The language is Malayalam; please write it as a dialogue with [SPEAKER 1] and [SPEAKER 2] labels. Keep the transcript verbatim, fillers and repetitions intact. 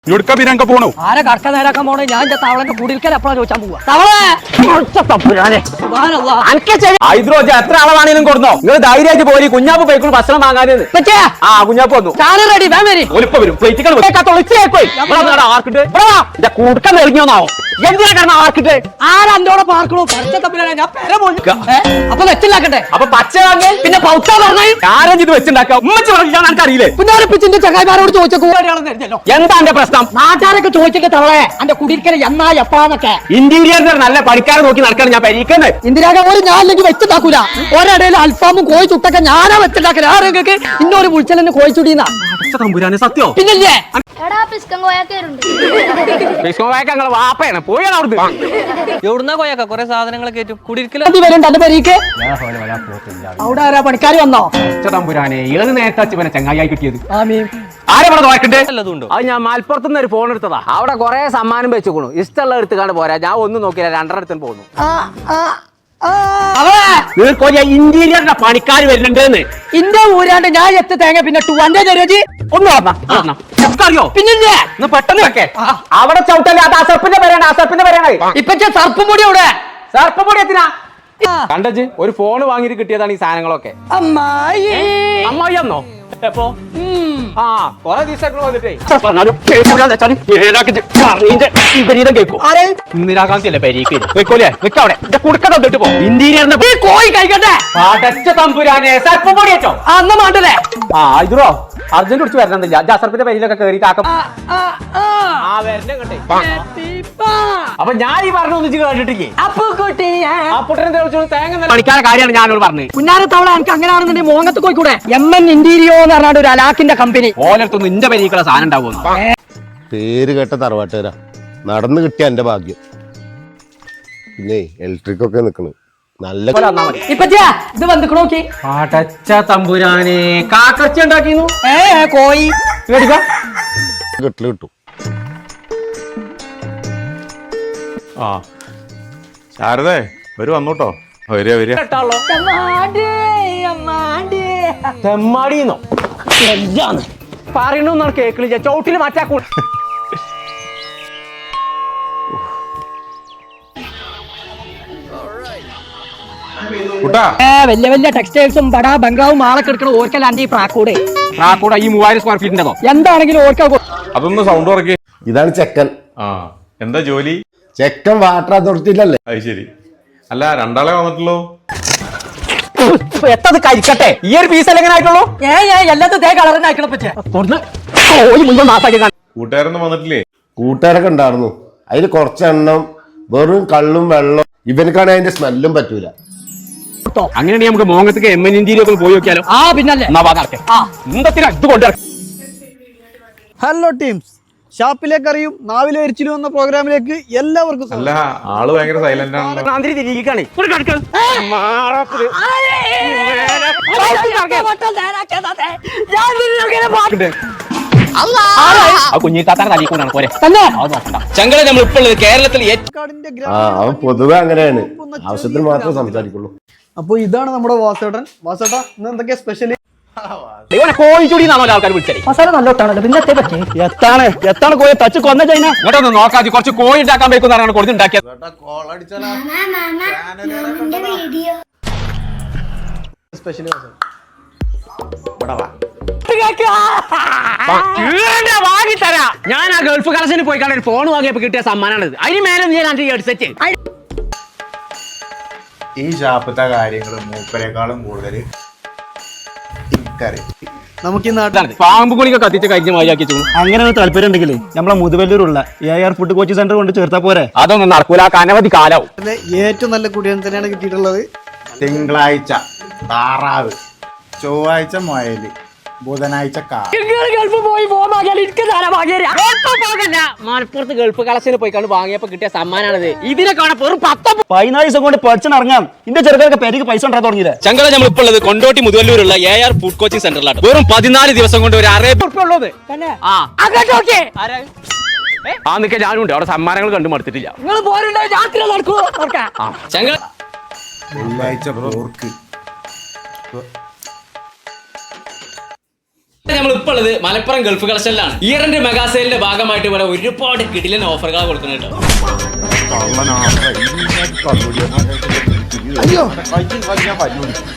[SPEAKER 1] ഇവിടുക്ക പിന്നങ്ക പോണു
[SPEAKER 2] ആരെ കടക്ക നേരാക്കാൻ പോണേ ഞാൻ എന്റെ തവളന്റെ കുടിൽക്കൽ എപ്പോഴാ ചോദിച്ചാൻ പോവാ
[SPEAKER 3] ഹൈദ്രോജ എത്ര ആളാണെങ്കിലും കൊടുന്നോ നിങ്ങൾ ധൈര്യമായിട്ട് പോയി കുഞ്ഞാപ്പ് പോയിക്കൊണ്ട് ഭക്ഷണം വാങ്ങാൻ ആ കുഞ്ഞാപ്പ് വന്നു
[SPEAKER 2] റെഡി
[SPEAKER 3] ഒലിപ്പ വരും പ്ലേറ്റുകൾ ആർക്കിട്ട് കൂട്ടം നെളിഞ്ഞോന്നാവും എന്തിനാ കാരണം ആർക്കിട്ട്
[SPEAKER 2] ആരാ എന്തോടെ പാർക്കണോ പച്ചത്തപ്പിലാണ് ഞാൻ പെര പോയി അപ്പൊ വെച്ചിണ്ടാക്കട്ടെ
[SPEAKER 3] അപ്പൊ പച്ച വാങ്ങി
[SPEAKER 2] പിന്നെ പൗത്ത പറഞ്ഞു
[SPEAKER 3] ആരും ഇത് വെച്ചിണ്ടാക്കാം ഉമ്മച്ച് പറഞ്ഞാൽ എനിക്ക് അറിയില്ലേ
[SPEAKER 2] പുന്നാരപ്പിച്ചിന്റെ ചങ്ങായിമാരോട് ചോദിച്ച കൂടെയാണെന്നല്ലോ
[SPEAKER 3] എന്താ എന്റെ പ്രശ്നം
[SPEAKER 2] നാട്ടുകാരൊക്കെ ചോദിച്ചിട്ട് തവളെ എന്റെ കുടിൽക്കൽ എന്നാ എപ്പാന്നൊക്കെ
[SPEAKER 3] ഇന്റീരിയർ നല്ല പണിക്കാരെ നോക്കി നടക്കാണ് ഞാൻ പരിക്കുന്നത്
[SPEAKER 2] ഇന്ദിരാഗാന്ധി ഞാൻ അല്ലെങ്കിൽ വെച്ചുണ്ടാക്കൂല ഒരിടയിൽ അൽഫാമും കോഴി ചുട്ടൊക്കെ ഞാനാ വെച്ചുണ്ടാക്കല ആരെങ്കിലും ഇന്നൊരു വിളിച്ചലെന്നെ കോഴി ചുടീന്നാ
[SPEAKER 3] തമ്പുരാനെ സത്യോ
[SPEAKER 2] പിന്നല്ലേ
[SPEAKER 3] വാപ്പയാണ് പോയാണ് അവിടുന്ന്
[SPEAKER 4] എവിടുന്നാ കോയാക്ക കൊറേ സാധനങ്ങളൊക്കെ കയറ്റും കുടിയിരിക്കല
[SPEAKER 2] വരും തന്റെ പെരീക്ക് അവിടെ ആരാ പണിക്കാർ വന്നോ
[SPEAKER 3] തമ്പുരാനെ ഏത് നേരത്തെ ഇവനെ ചങ്ങായി കിട്ടിയത്
[SPEAKER 2] ആമീൻ
[SPEAKER 3] ആരെ ഇവിടെ നോക്കണ്ടേ
[SPEAKER 4] വല്ലതുണ്ടോ
[SPEAKER 3] അത് ഞാൻ മലപ്പുറത്ത് നിന്ന് ഒരു ഫോൺ എടുത്തതാ അവിടെ കുറെ സമ്മാനം വെച്ചുകൊണു ഇഷ്ടമുള്ള എടുത്തുകാണ്ട് പോരാ ഞാൻ ഒന്നും നോക്കിയില്ല രണ്ടര അടുത്തും പോകുന്നു ഇന്റീരിയറിന്റെ പണിക്കാർ വരുന്നുണ്ടെന്ന്
[SPEAKER 2] ഇന്റെ ഊരാണ്ട് ഞാൻ എത്ത് തേങ്ങ പിന്നെ ടൂന്റെ ചെറിയ
[SPEAKER 3] ഒന്ന് പറഞ്ഞോ അറിയോ
[SPEAKER 2] പിന്നില്ലേ
[SPEAKER 3] ഒന്ന് പെട്ടെന്ന് വെക്കേ അവിടെ ചവിട്ടല്ലേ അത് അസർപ്പിന്റെ പേരാണ് അസർപ്പിന്റെ പേരാണ്
[SPEAKER 2] ഇപ്പൊ സർപ്പ് പൊടി അവിടെ
[SPEAKER 3] സർപ്പ് പൊടി എത്തിനാ കണ്ടച്ച് ഒരു ഫോൺ വാങ്ങിയിട്ട് കിട്ടിയതാണ് ഈ സാധനങ്ങളൊക്കെ
[SPEAKER 2] അമ്മായി
[SPEAKER 3] അമ്മായി എന്നോ എപ്പോ ആ കൊറേ ദിവസം വന്നിട്ടേ ഇന്ദിരാഗാന്ധി അല്ലേ പരീക്ക് വെക്കോലേ വെക്കവിടെ കുടുക്ക തന്നിട്ട് പോ ഇന്റീരിയറിന്റെ
[SPEAKER 2] കോഴി കഴിക്കട്ടെ
[SPEAKER 3] അടച്ച തമ്പുരാനെ സർപ്പം പൊടി വെച്ചോ
[SPEAKER 2] അന്ന് മാണ്ടല്ലേ
[SPEAKER 3] ആ ഇതോ അർജന്റ് കുറിച്ച് വരണമെന്നില്ല ജാസർപ്പിന്റെ പേരിലൊക്കെ കയറിയിട്ട് ആക്കം ആ വരണേ കണ്ടേ അപ്പൊ ഞാൻ ഈ പറഞ്ഞു ഒന്നിച്ച് കേട്ടിട്ടില്ലേ തേങ്ങ പണിക്കാരുടെ കാര്യമാണ് ഞാനോട് പറഞ്ഞത്
[SPEAKER 2] പുന്നാരത്തവള എനിക്ക് അങ്ങനെയാണെന്നുണ്ടെങ്കിൽ മോങ്ങത്ത് പോയിക്കൂടെ എം എൻ ഇന്റീരിയോ എന്ന് പറഞ്ഞാൽ ഒരു അലാക്കിന്റെ കമ്പനി
[SPEAKER 3] ഓലത്തൊന്നും ഇന്റെ പരീക്കുള്ള സാധനം ഉണ്ടാവുന്നു
[SPEAKER 5] പേര് കേട്ട തറവാട്ടുകാരാ നടന്നു കിട്ടിയ എന്റെ ഭാഗ്യം പിന്നെ ഇലക്ട്രിക് ഒക്കെ നിക്കണ് നല്ല
[SPEAKER 2] ഇപ്പച്ചാ ഇത് വന്നിക്കണ നോക്കി
[SPEAKER 3] അടച്ച തമ്പുരാനെ കാക്കച്ച ഉണ്ടാക്കിന്നു
[SPEAKER 2] ഏ കോയി
[SPEAKER 5] കെട്ടില് കിട്ടും
[SPEAKER 1] ആ ശാരദേ വരൂ വന്നോട്ടോ വരിക വരിക
[SPEAKER 3] തെമ്മാടിന്നോ എന്താന്ന് പറയണമെന്നാണ് കേക്കിളിച്ച ചോട്ടില് മാറ്റാക്കൂ
[SPEAKER 1] കുട്ടാ
[SPEAKER 2] വലിയ വലിയ ടെക്സ്റ്റൈൽസും ബടാ ബംഗ്ലാവും ആളൊക്കെ എടുക്കണ ഓർക്കലാണ്ട് ഈ പ്രാക്കൂടെ
[SPEAKER 3] പ്രാക്കൂടെ ഈ മൂവായിരം സ്ക്വയർ ഫീറ്റിന്റെതോ
[SPEAKER 2] എന്താണെങ്കിലും ഓർക്ക
[SPEAKER 1] അതൊന്ന് സൗണ്ട് ഉറക്കി
[SPEAKER 5] ഇതാണ് ചെക്കൻ
[SPEAKER 1] ആ എന്താ ജോലി
[SPEAKER 5] ചെക്കൻ വാട്ടർ അതോറിറ്റിയിലല്ലേ
[SPEAKER 1] അത് ശരി അല്ല രണ്ടാളെ വന്നിട്ടുള്ളൂ
[SPEAKER 3] എത്തത് കഴിക്കട്ടെ ഈ ഒരു പീസ് എങ്ങനെ ആയിട്ടുള്ളൂ
[SPEAKER 2] ഏ ഏ എല്ലാത്തും തേ കളറിന് അയക്കണ പറ്റേ
[SPEAKER 1] കൂട്ടുകാരൊന്നും വന്നിട്ടില്ലേ
[SPEAKER 5] കൂട്ടുകാരൊക്കെ ഉണ്ടായിരുന്നു അതിൽ കുറച്ചെണ്ണം വെറും കള്ളും വെള്ളം ഇവനക്കാണെങ്കിൽ അതിന്റെ സ്മെല്ലും പറ്റൂല
[SPEAKER 3] അങ്ങനെയാണെങ്കിൽ നമുക്ക് മോങ്ങത്തേക്ക് എം എൻ ഇന്ത്യയിലൊക്കെ പോയി നോക്കിയാലോ
[SPEAKER 2] ആ പിന്നല്ലേ
[SPEAKER 3] എന്തൊക്കെ ഇത് കൊണ്ടുവരാം
[SPEAKER 6] ഹലോ ടീംസ് ഷാപ്പിലേക്ക് അറിയും നാവിലെ എരിച്ചിലും എന്ന പ്രോഗ്രാമിലേക്ക് എല്ലാവർക്കും
[SPEAKER 1] അല്ല ആള് ഭയങ്കര സൈലന്റ് ആണ്
[SPEAKER 3] തിരികെയാണ് കുഞ്ഞിത്താത്താൻ തലിക്കൊണ്ടാണ് പോരെ ചങ്കളെ നമ്മൾ ഇപ്പോൾ കേരളത്തിൽ
[SPEAKER 5] ആ അവൻ പൊതുവെ അങ്ങനെയാണ് ആവശ്യത്തിന് മാത്രമേ സംസാരിക്കുള്ളൂ.
[SPEAKER 6] അപ്പൊ ഇതാണ് നമ്മുടെ വാസേട്ടൻ. വാസേട്ടാ ഇന്ന് എന്തൊക്കെയാ സ്പെഷ്യല്?
[SPEAKER 3] കോഴിച്ചൂടിന്നാണോ ആൾക്കാർ വിളിച്ചത്
[SPEAKER 2] മസാല നല്ലോട്ടാണല്ലോ പിന്നെ എത്തേ പറ്റേ
[SPEAKER 3] എത്താണ് എത്താണ് കോഴി തച്ച് കൊന്ന ചൈന ഇങ്ങോട്ടൊന്ന് നോക്കാതെ കുറച്ച് കോഴി ഉണ്ടാക്കാൻ വെക്കുന്നതാണ് കൊടുത്തുണ്ടാക്കിയത്
[SPEAKER 6] സ്പെഷ്യല്
[SPEAKER 3] വാങ്ങിത്തരാ ഞാൻ ആ ഗൾഫ് കളക്ഷന് പോയി കാണാൻ ഫോൺ വാങ്ങിയപ്പോ കിട്ടിയ സമ്മാനമാണിത് അതിന് മേലെ ഞാൻ ഹെഡ്സെറ്റ്
[SPEAKER 7] ഈ ഷാപ്പത്തെ കാര്യങ്ങൾ മൂപ്പരെക്കാളും കൂടുതൽ
[SPEAKER 6] നമുക്ക് ഈ നാട്ടിൽ
[SPEAKER 3] പാമ്പ് കുളിക്ക് കത്തിച്ച് കഴിഞ്ഞ മാതിരിയാക്കി
[SPEAKER 6] അങ്ങനെ താല്പര്യം ഉണ്ടെങ്കിൽ നമ്മളെ മുതുവല്ലൂരുള്ള A R food coaching centre കൊണ്ട് ചേർത്താ പോരെ.
[SPEAKER 3] അതൊന്നും നടക്കൂല അനവധി കാലാവും.
[SPEAKER 6] ഏറ്റവും നല്ല കുടിയൻ തന്നെയാണ് കിട്ടിയിട്ടുള്ളത്.
[SPEAKER 7] തിങ്കളാഴ്ച താറാവ്, ചൊവ്വാഴ്ച മുയല്, ബുധനാഴ്ച കാ
[SPEAKER 3] മലപ്പുറത്ത് ഗൾഫ് കളക്ഷന് പോയി കണ്ട് വാങ്ങിയപ്പോ കിട്ടിയ സമ്മാനാണിത്. ഇതിനെ കാണാൻ വെറും പത്ത്
[SPEAKER 6] പതിനാല് ദിവസം കൊണ്ട് പഠിച്ചിറങ്ങാം. ഇന്റെ ചെറുക്കൊക്കെ പേർക്ക് പൈസ ഉണ്ടാകാൻ തുടങ്ങിയത്.
[SPEAKER 3] ചങ്കള നമ്മൾ ഇപ്പോൾ ഉള്ളത് കൊണ്ടോട്ടി മുതുവല്ലൂരുള്ള എ ആർ ഫുഡ് കോച്ചിങ് സെന്ററിലാണ്. വെറും പതിനാല് ദിവസം കൊണ്ട് ഒരു അറേബ്യ ഉള്ളത്. ആ നിക്ക ഞാനുണ്ട് അവിടെ സമ്മാനങ്ങൾ കണ്ടു മടുത്തിട്ടില്ല. ചങ്കള
[SPEAKER 7] വെള്ളിയാഴ്ച പോർക്ക്,
[SPEAKER 8] നമ്മൾ ഇപ്പോൾ ഉള്ളത് മലപ്പുറം ഗൾഫ് കളക്ഷനിലാണ്. ഇയറിന്റെ മെഗാസെയിലിന്റെ ഭാഗമായിട്ട് ഇവിടെ ഒരുപാട് കിടിലൻ ഓഫറുകൾ കൊടുക്കുന്നുണ്ട് കേട്ടോ.
[SPEAKER 5] അയ്യോ